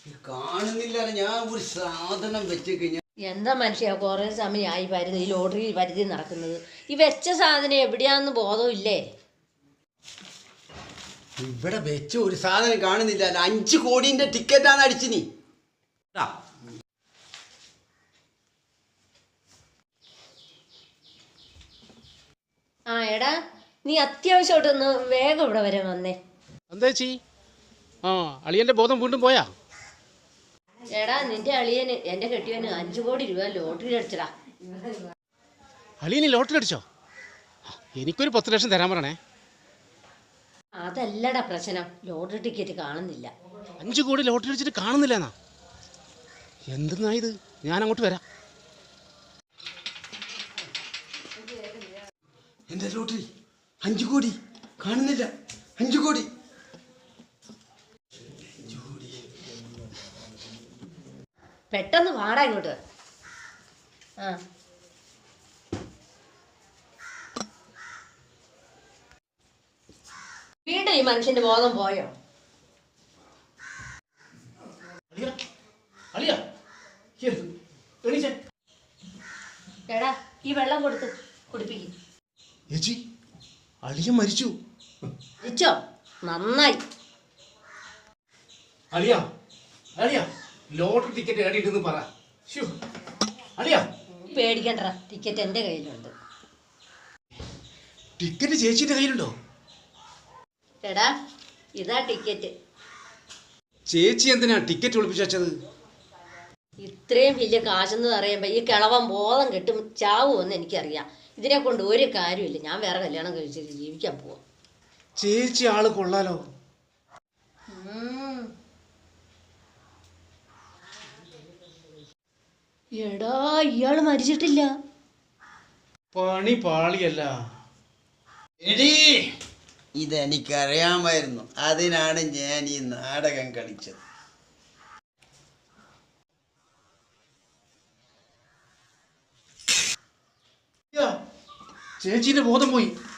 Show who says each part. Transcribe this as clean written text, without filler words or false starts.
Speaker 1: കാണുന്നില്ല. ഞാൻ ഒരു സാധനം വെച്ച് കഴിഞ്ഞാൽ
Speaker 2: എന്താ മനുഷ്യ കുറേ സമയമായി വരുന്നത് ഈ ലോട്ടറി പരിധി നടക്കുന്നത്. ഈ വെച്ച സാധനം എവിടെയാന്ന് ബോധമില്ലേ?
Speaker 1: ഇവിടെ വെച്ച ഒരു സാധനം കാണുന്നില്ല. 5 കോടിന്റെ ടിക്കറ്റാണ് അടിച്ചു നീ.
Speaker 2: ആ എടാ, നീ അത്യാവശ്യമായിട്ടൊന്ന് വേഗം ഇവിടെ വരെ വന്നേ.
Speaker 3: എന്താ ചേച്ചി? അളിയന്റെ ബോധം വീണ്ടും പോയാ?
Speaker 2: എടാ, നിന്റെ അളിയന് എന്റെ കെട്ടിയവന് 5 കോടി രൂപ ലോട്ടറി അടിച്ചടാ.
Speaker 3: അളിയന് ലോട്ടറി അടിച്ചോ? എനിക്കൊരു 10 ലക്ഷം തരാൻ പറയണേ.
Speaker 2: അതല്ലടാ പ്രശ്നം, ലോട്ടറി ടിക്കറ്റ് കാണുന്നില്ല.
Speaker 3: 5 കോടി ലോട്ടറി അടിച്ചിട്ട് കാണുന്നില്ല എന്നാ? എന്തെന്നാ ഇത്? ഞാൻ അങ്ങോട്ട് വരാം.
Speaker 1: എന്റെ ലോട്ടറി 5 കോടി കാണുന്നില്ല. 5 കോടി.
Speaker 2: പെട്ടെന്ന് പാടാ ഇങ്ങോട്ട്. ആ വീണ്ടും ഈ മനുഷ്യന്റെ ബോധം പോയോ? എടാ, ഈ വെള്ളം കൊടുത്ത് കുടിപ്പിക്കും.
Speaker 3: ചേച്ചി, അളിയൻ മരിച്ചു.
Speaker 2: മരിച്ചോ? നന്നായി.
Speaker 3: അളിയ അളിയ ലോട്ടറി ടിക്കറ്റ് ഏടിയിട്ടെന്ന് പറ. അളിയ
Speaker 2: പേടിക്കണ്ട, ടിക്കറ്റ് എന്റെ കയ്യിലുണ്ട്.
Speaker 3: ടിക്കറ്റ് ചേച്ചിന്റെ കയ്യിലുണ്ടോ?
Speaker 2: എടാ, ഇതാ ടിക്കറ്റ്.
Speaker 3: ചേച്ചി എന്തിനാ ടിക്കറ്റ് ഒളിപ്പിച്ചു വെച്ചത്?
Speaker 2: ഇത്രയും വലിയ കാശെന്ന് പറയുമ്പോ ഈ കിളവൻ ബോധം കെട്ടും ചാവുമെന്ന് എനിക്കറിയാം. ഇതിനെ കൊണ്ട് ഒരു കാര്യമില്ല. ഞാൻ വേറെ കല്യാണം കഴിച്ചിട്ട് ജീവിക്കാൻ പോവാം.
Speaker 3: ചേച്ചി ആള് കൊള്ളാലോ.
Speaker 2: എടാ, ഇയാള് മരിച്ചിട്ടില്ല.
Speaker 3: പണി പാളിയല്ല.
Speaker 1: എടീ, ഇതെനിക്കറിയാമായിരുന്നു. അതിനാണ് ഞാൻ ഈ നാടകം കളിച്ചത്.
Speaker 3: ചേച്ചിന്റെ ബോധം പോയി.